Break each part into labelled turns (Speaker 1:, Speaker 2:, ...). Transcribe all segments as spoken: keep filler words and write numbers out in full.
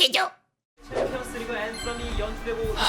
Speaker 1: 되죠.
Speaker 2: 챔피언스리그 앤썸이 연출되고 있습니다.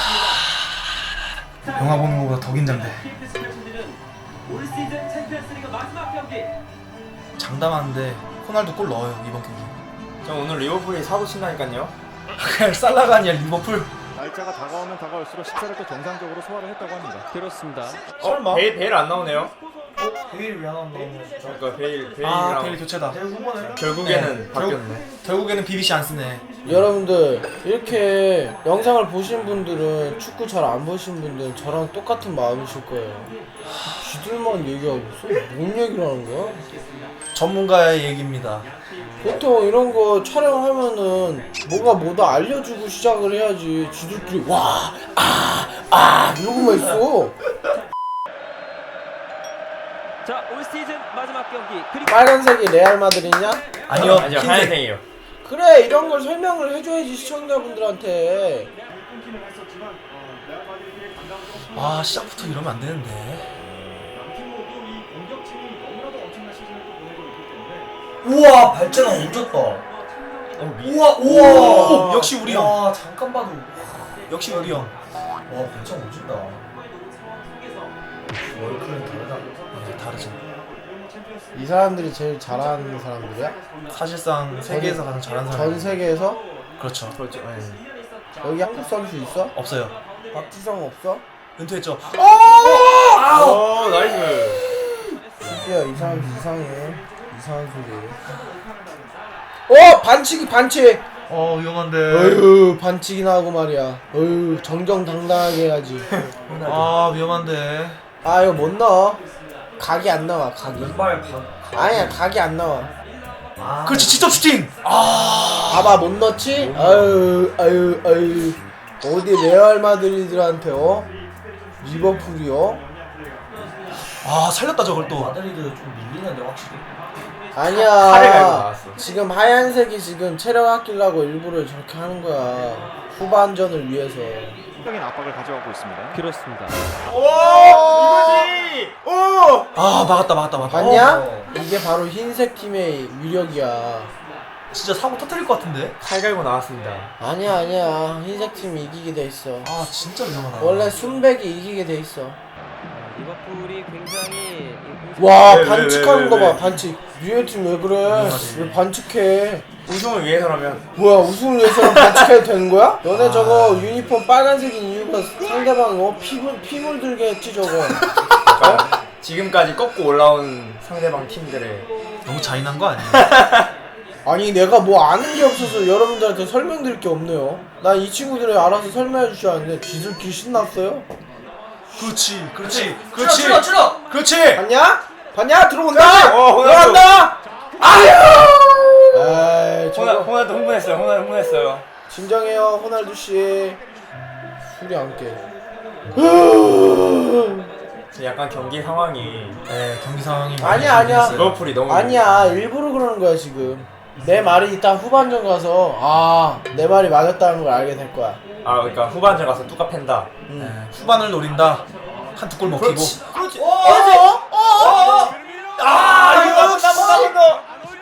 Speaker 3: 영화 보는 것보다 더 긴장돼.
Speaker 2: 올 시즌 챔피언스리그 마지막 경기.
Speaker 3: 장담하는데 호날두 골 넣어요 이번 경기.
Speaker 4: 저 오늘 리버풀이 사고 친다니까요.
Speaker 3: 그냥 살라가 아니야 리버풀.
Speaker 5: 날짜가 다가오면 다가올수록 식사를 또 정상적으로 소화를 했다고 합니다.
Speaker 2: 그렇습니다.
Speaker 4: 어? 베일, 베일 안 나오네요.
Speaker 3: 베일 왜안 나오는 거야?
Speaker 4: 그러니까 베일, 베일이랑
Speaker 3: 아 베일 교체다.
Speaker 4: 결국에는
Speaker 3: 네.
Speaker 4: 바뀌었네.
Speaker 3: 결국에는 비비씨 안 쓰네.
Speaker 6: 여러분들 이렇게 영상을 보신 분들은 축구 잘 안 보신 분들은 저랑 똑같은 마음이실 거예요. 쥐들만 얘기하고 있어? 뭔 얘기를 하는 거야?
Speaker 3: 전문가의 얘기입니다.
Speaker 6: 보통 이런 거 촬영하면은 뭐가 뭐다 알려주고 시작을 해야지. 쥐들끼리 와, 아, 아 이러고만 있어.
Speaker 2: 자, 올 시즌 마지막 경기. 그리고
Speaker 6: 빨간색이 레알 마드리냐?
Speaker 3: 아니요
Speaker 4: 아니요,
Speaker 3: 흰색.
Speaker 4: 하얀색이에요.
Speaker 6: 그래 이런 걸 설명을 해줘야지 시청자분들한테.
Speaker 3: 아 시작부터 이러면 안 되는데. 우와 발전은 옮겼다. 우와 우와 역시 우리 형. 와 잠깐 봐도 역시 우리 형. 와 발전 오진다. 월클은 다르다. 네, 다르죠.
Speaker 6: 이 사람들이 제일 잘하는 사람들이야?
Speaker 3: 사실상 세계에서 가장 잘하는 사람.
Speaker 6: 전 세계에서?
Speaker 3: 그렇죠.
Speaker 4: 그렇죠. 네.
Speaker 6: 여기 한국 선수 있어?
Speaker 3: 없어요.
Speaker 6: 박지성 없어?
Speaker 3: 은퇴했죠.
Speaker 4: 오, 나이스.
Speaker 6: 드디어 이 사람 이상해. 이상한 소리. 어 반칙이 반칙.
Speaker 3: 어 위험한데.
Speaker 6: 어휴 반칙이나 하고 말이야. 어휴 정정당당하게 해야지.
Speaker 3: 아 위험한데.
Speaker 6: 아 이거 못 넣어. 각이 안 나와 각이. 아니야 각이 안 나와.
Speaker 3: 아, 그렇지 직접 슈팅. 아
Speaker 6: 봐봐 못 넣지? 아유 아유 아유 어디 레알 마드리드한테 어? 리버풀이요?
Speaker 3: 아 살렸다 저걸 또.
Speaker 7: 마드리드 좀 밀리는데 확실히.
Speaker 4: 칼을 갈고
Speaker 6: 아니야
Speaker 4: 나왔어.
Speaker 6: 지금 하얀색이 지금 체력 아끼려고 일부러 저렇게 하는 거야. 후반전을 위해서.
Speaker 5: 적인 압박을 가져가고 있습니다.
Speaker 2: 그렇습니다.
Speaker 4: 오, 이거지. 오.
Speaker 3: 아 막았다 막았다 막았다.
Speaker 6: 봤냐?
Speaker 3: 어,
Speaker 6: 이게 바로 흰색 팀의 위력이야.
Speaker 3: 진짜 사고 터뜨릴 것 같은데.
Speaker 4: 칼 갈고 나왔습니다.
Speaker 6: 아니야 아니야 흰색 팀이 이기게 돼 있어.
Speaker 3: 아 진짜 위험하다.
Speaker 6: 원래 순백이 이기게 돼 있어.
Speaker 2: 리버풀이 굉장히
Speaker 6: 와
Speaker 4: 왜, 왜,
Speaker 6: 반칙하는
Speaker 4: 왜,
Speaker 6: 거
Speaker 4: 왜,
Speaker 6: 봐 반칙. 유해 팀왜 그래?
Speaker 3: 위험하지.
Speaker 6: 왜 반칙해?
Speaker 4: 우승을 위해서라면.
Speaker 6: 뭐야 우승을 위해서는 반칙해도 되는 거야? 너네 저거 유니폼 빨간색인 이유가 상대방 어 피물 피물 들게 했지 저거.
Speaker 4: 그러니까 지금까지 꺾고 올라온 상대방 팀들의
Speaker 3: 너무 잔인한 거 아니야?
Speaker 6: 아니 내가 뭐 아는 게 없어서 여러분들한테 설명드릴 게 없네요. 난 이 친구들이 알아서 설명해 주셔야 하는데 지들끼리 신났어요?
Speaker 3: 그렇지 그렇지 그렇지
Speaker 7: 찔러 찔러.
Speaker 3: 그렇지.
Speaker 6: 봤냐? 봤냐? 들어온다!
Speaker 4: 어, 호날두.
Speaker 6: 들어간다! 아유! 에이
Speaker 4: 호나,
Speaker 6: 저거
Speaker 4: 호날두 흥분했어요. 호날두 흥분했어요.
Speaker 6: 진정해요 호날두씨. 술이 안 깨.
Speaker 4: 약간 경기 상황이
Speaker 3: 네 경기 상황이 많이
Speaker 6: 아니야, 아니야.
Speaker 3: 재밌어요.
Speaker 4: 리버풀이 너무
Speaker 6: 아니야 일부러 그러는 거야 지금. 내 말이 이따 후반전 가서 아 내 말이 맞았다는 걸 알게 될 거야.
Speaker 4: 아 그러니까 후반전 가서 뚜까 팬다.
Speaker 6: 응.
Speaker 3: 네, 후반을 노린다. 한 두 골 먹히고.
Speaker 4: 그렇지. 그렇지.
Speaker 6: 어? 어?
Speaker 4: 아 이거 나못 나못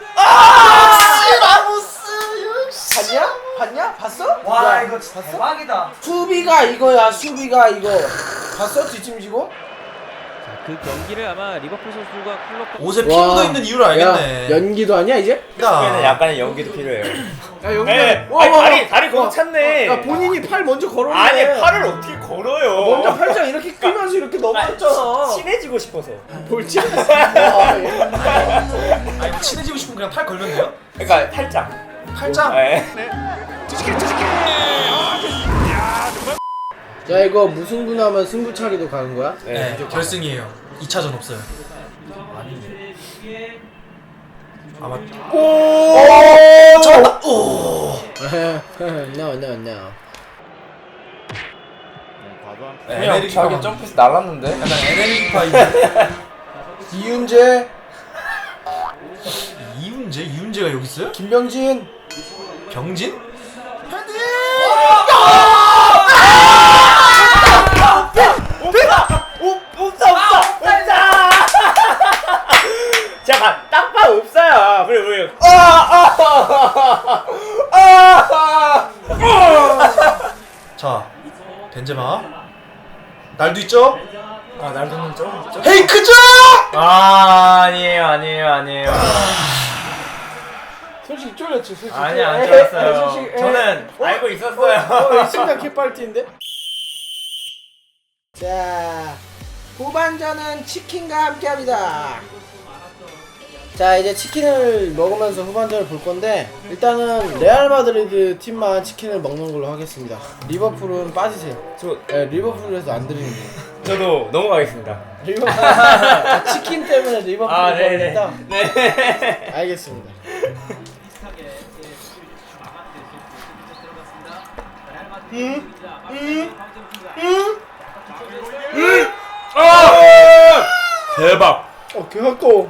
Speaker 6: 봤냐? 봤냐? 봤어?
Speaker 7: 와
Speaker 6: 야,
Speaker 7: 이거 진짜
Speaker 6: 봤어?
Speaker 7: 대박이다.
Speaker 6: 수비가 이거야 수비가 이거. 봤어 뒷짐지고?
Speaker 2: 그 경기를 아마 리버풀 선수가 클럽
Speaker 3: 옷에 피 묻어 있는 이유를 알겠네.
Speaker 6: 야, 연기도 아니야 이제?
Speaker 4: 축구에는 약간의 연기도 필요해요.
Speaker 6: 야 연기.
Speaker 4: 네. 아니, 다리 다리 거기 찼네.
Speaker 6: 야 본인이 팔 먼저 걸었네.
Speaker 4: 아니 팔을 어떻게 걸어요?
Speaker 6: 먼저 팔짱 이렇게 끼면서 이렇게 넘어졌잖아.
Speaker 4: 친해지고 싶어서.
Speaker 6: 볼지 않았어. 와, 얘.
Speaker 3: 아 이거 친해지고 싶으면 그냥 팔 걸면 돼요?
Speaker 4: 그러니까 팔짱.
Speaker 3: 팔짱.
Speaker 4: 네.
Speaker 6: 자 이거 무승부 나면 승부차기도 가는 거야?
Speaker 3: 네, 결승이에요. 이 차전 없어요. 아마
Speaker 6: 오!
Speaker 3: 잡았다. 오.
Speaker 6: no no no.
Speaker 5: 과도한
Speaker 4: 네,
Speaker 3: 에메리카
Speaker 4: 형 자기
Speaker 3: 만-
Speaker 4: 점프해서 날랐는데.
Speaker 3: 약간 에네르기파인데.
Speaker 6: 이윤재,
Speaker 3: 이윤재? 이윤재가 여기 있어요?
Speaker 6: 김병진.
Speaker 3: 병진?
Speaker 4: 없다 없다 없다. 잠깐 땅파 없어요. 그래 그래. 아아아아
Speaker 3: 자, 벤제마. 날도 있죠?
Speaker 4: 아 날도는 좀 있죠?
Speaker 3: 헤이크죠?
Speaker 4: 아 아니에요 아니에요 아니에요.
Speaker 6: 솔직히 쫄렸지 솔직히.
Speaker 4: 아니 안
Speaker 6: 에이,
Speaker 4: 좋았어요.
Speaker 6: 솔직히, 에이.
Speaker 4: 저는
Speaker 6: 어?
Speaker 4: 알고 있었어요.
Speaker 6: 어, 어, 심장 개빨티인데? 자, 후반전은 치킨과 함께합니다. 자, 이제 치킨을 먹으면서 후반전을 볼 건데 일단은 레알 마드리드 팀만 치킨을 먹는 걸로 하겠습니다. 리버풀은 빠지세요.
Speaker 4: 저
Speaker 6: 네, 리버풀에서 안 드리는 거예요.
Speaker 4: 저도 넘어가겠습니다.
Speaker 6: 리버풀 아, 치킨 때문에 리버풀
Speaker 4: 아
Speaker 6: 먹겠다.
Speaker 4: 네네. 네.
Speaker 6: 알겠습니다. 음, 음, 음, 음.
Speaker 4: 아! 대박.
Speaker 6: 어, 개 가까워.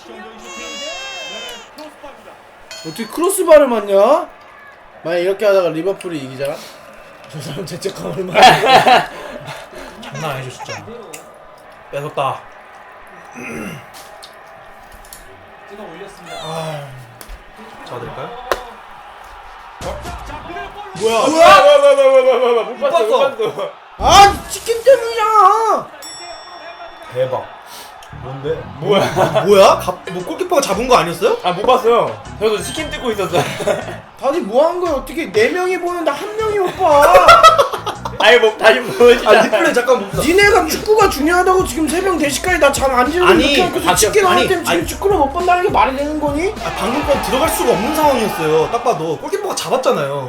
Speaker 6: 어떻게 크로스바를 맞냐? 만약 이렇게 하다가 리버풀이 이기잖아? 저 사람 죄책감 얼마나.
Speaker 3: 장난 아니죠 진짜. 뺏었다.
Speaker 6: 아,
Speaker 3: 잡아드릴까요?
Speaker 6: 뭐야?
Speaker 4: 뭐야? 못 봤어 못 봤어.
Speaker 6: 아, 치킨 때문이야.
Speaker 3: 대박. 뭔데?
Speaker 4: 뭐야?
Speaker 3: 뭐야? 갑, 뭐 골키퍼가 잡은 거 아니었어요?
Speaker 4: 아 못 봤어요. 저도 치킨 뜯고 있었어요.
Speaker 6: 다들 뭐 한 거야? 어떻게 네 명이 보는데 한 명이 못 봐?
Speaker 4: 아니 뭐 다시 보여주자.
Speaker 3: 아 리플레이 잠깐 봅시다.
Speaker 6: 니네가 축구가 중요하다고 지금 새벽 네 시까지 나 잠 안 지르고
Speaker 3: 아니,
Speaker 6: 이렇게 하고서
Speaker 3: 아,
Speaker 6: 치킨
Speaker 3: 아니,
Speaker 6: 하나 때문에 지금
Speaker 3: 아니.
Speaker 6: 축구를 못 본다는 게 말이 되는 거니?
Speaker 3: 아, 방금 건 들어갈 수가 없는 상황이었어요. 딱 봐도 골키퍼가 잡았잖아요.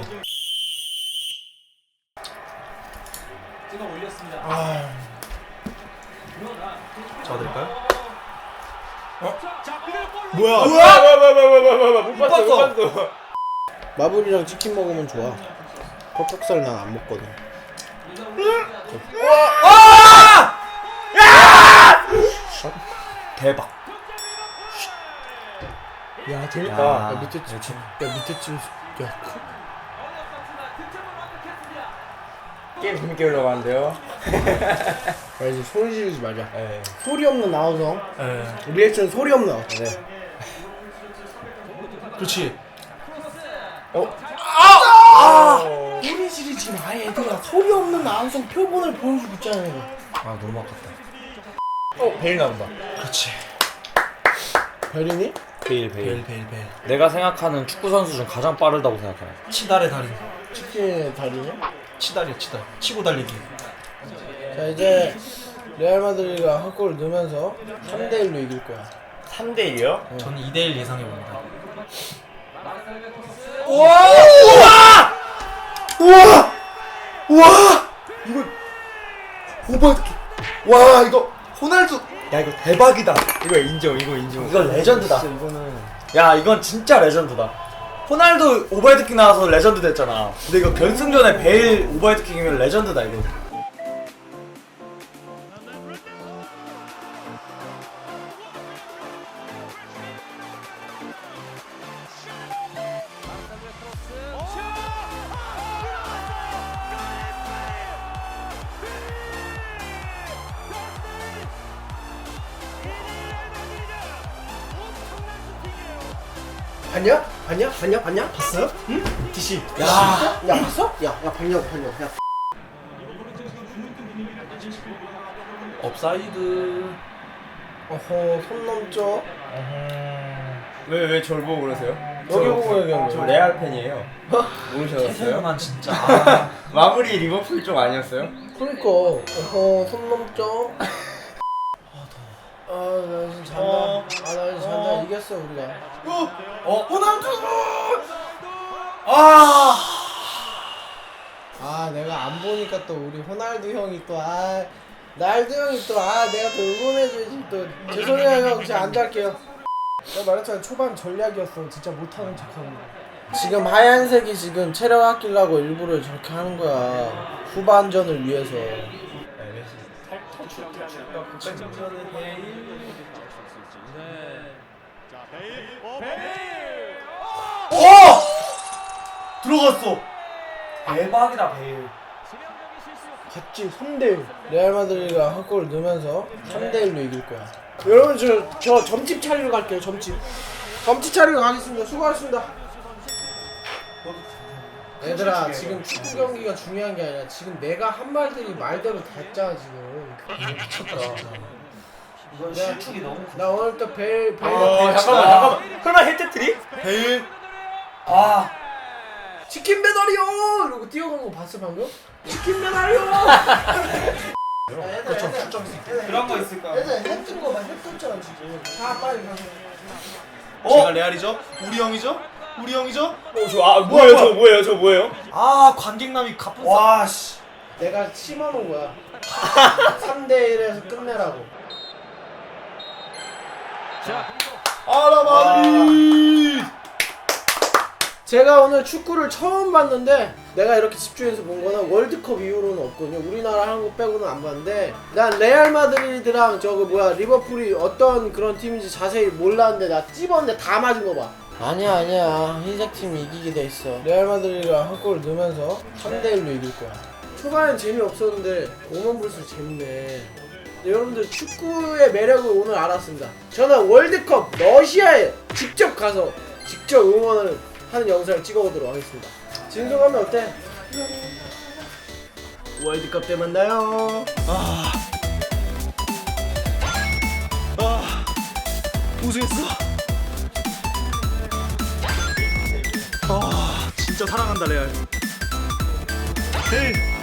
Speaker 6: 아,
Speaker 3: 잡아드릴까요?
Speaker 6: 뭐야?
Speaker 4: 뭐야? 못 봤어 못
Speaker 3: 봤어.
Speaker 4: 봤어.
Speaker 6: 마블이랑 치킨 먹으면 좋아. 퍽퍽살 난 안 먹거든.
Speaker 3: 대박.
Speaker 6: 야, 재밌다.
Speaker 4: 야,
Speaker 6: 야, 밑에 찜, 야, 밑에 찜, 야, 크.
Speaker 4: 게임 재밌게 흘러가는데요.
Speaker 6: 야, 이제 소리 지르지 말자.
Speaker 4: 네.
Speaker 6: 소리 없는 나우성.
Speaker 3: 예.
Speaker 6: 리액션 소리 없는 나우. 네.
Speaker 3: 그렇지.
Speaker 6: 소리 지르지 마, 얘들아. 소리 없는 나우성 표본을 보여주고 있잖아, 이거.
Speaker 3: 아 너무 아깝다.
Speaker 4: 어 베일 나온다.
Speaker 3: 그렇지.
Speaker 6: 별이니?
Speaker 2: 베일
Speaker 3: 베일 베일 베일.
Speaker 2: 내가 생각하는 축구 선수 중 가장 빠르다고 생각해.
Speaker 3: 치달의 달인.
Speaker 6: 치킨의 달이네?
Speaker 3: 치달이야 치달. 치고 달리기.
Speaker 6: 자, 이제 레알 마드리드가 한 골을 넣으면서 삼 대 일로 이길 거야.
Speaker 4: 삼 대 일이요?
Speaker 3: 저는 이 대 일 예상해 봅니다.
Speaker 6: 우와! 우와! 우와!
Speaker 3: 이거 오버. 와 이거 호날두. 야 이거 대박이다.
Speaker 4: 이거 인정 이거 인정.
Speaker 3: 이거 레전드다.
Speaker 4: 진짜 이거는
Speaker 2: 야 이건 진짜 레전드다. 호날두 오버헤드킥 나와서 레전드 됐잖아. 근데 이거 결승전에 베일 오버헤드킥이면 레전드다 이거.
Speaker 6: 봤냐? 봤냐? 봤냐? 봤냐?
Speaker 3: 봤어요? 응? 디씨.
Speaker 6: 야, 야 봤어? 야, 야 봤냐고 봤냐고. 야.
Speaker 3: 업사이드.
Speaker 6: 어허, 손 넘죠?
Speaker 4: 왜왜 저를 보고 그러세요?
Speaker 6: 여기
Speaker 4: 저-
Speaker 6: 보고 얘기한
Speaker 4: 저
Speaker 6: 거야.
Speaker 4: 레알 팬이에요. 모르셨어요?
Speaker 3: 태세만 진짜. 아,
Speaker 4: 마무리 리버풀 쪽 아니었어요?
Speaker 6: 그러니까 어허, 손 넘죠? 아, 나 지금 잔다.
Speaker 3: 어.
Speaker 6: 아, 나 지금 잔다.
Speaker 3: 어.
Speaker 6: 이겼어 우리가.
Speaker 3: 어 호날두. 아.
Speaker 6: 아, 내가 안 보니까 또 우리 호날두 형이 또 아, 날두 형이 또 아, 내가 또 응원해줘야지 또. 죄송해요 형, 제가 안 잘게요. 내가 말했잖아, 초반 전략이었어. 진짜 못하는 척하는 거. 지금 하얀색이 지금 체력 아끼려고 일부러 저렇게 하는 거야. 후반전을 위해서.
Speaker 3: 어! 들어갔어. 대박이다 베일.
Speaker 6: 같이 삼 대 일. 레알 마드리드가 한 골을 넣으면서 삼 대 일로 이길 거야. 여러분 저, 저 점집 차리러 갈게요. 점집. 점집 차리러 가겠습니다. 수고하셨습니다. 얘들아 지금 축구 경기가 중요한 게 아니라 지금 내가 한 말들이 말대로 됐잖아 지금.
Speaker 7: 미쳤다 진짜. 이건
Speaker 6: 야.
Speaker 7: 실축이 너무 커.
Speaker 6: 나 오늘 또벨 벨.
Speaker 2: 어 잠깐만 잠깐만. 설마 헤트트릭?
Speaker 3: 베일.
Speaker 7: 아
Speaker 6: 치킨 배달이요! 이러고 뛰어간 거 봤어 방금? 치킨 배달이요! 그렇죠.
Speaker 7: 그런 거 있을까?
Speaker 6: 얘들 했던 거 봐, 했었잖아 지금. 자 빨리 가.
Speaker 3: 제가 레알이죠? 우리 형이죠? 우리 형이죠?
Speaker 4: 어, 저, 아, 뭐예요? 저 뭐예요? 저 뭐예요?
Speaker 3: 아 관객남이 가쁜 사.
Speaker 7: 와 씨.
Speaker 6: 내가 심어놓은 거야. 삼 대 일에서 끝내라고.
Speaker 3: 아라 마드리드.
Speaker 6: 제가 오늘 축구를 처음 봤는데 내가 이렇게 집중해서 본 거는 월드컵 이후로는 없거든요. 우리나라 한국 빼고는 안 봤는데 난 레알 마드리드랑 저거 뭐야 리버풀이 어떤 그런 팀인지 자세히 몰랐는데 나 찝었는데 다 맞은 거 봐. 아니야 아니야 흰색 팀이 이기게 돼 있어. 레알 마드리드가 한 골 넣으면서 삼 대 일로 이길 거야. 초반엔 재미없었는데 오만 볼수록 재밌네. 네, 여러분들 축구의 매력을 오늘 알았습니다. 저는 월드컵 러시아에 직접 가서 직접 응원을 하는 영상을 찍어보도록 하겠습니다. 진솔하면 어때? 월드컵 때 만나요.
Speaker 3: 아. 아. 우승했어. 아 진짜 사랑한다 레알. 헤이.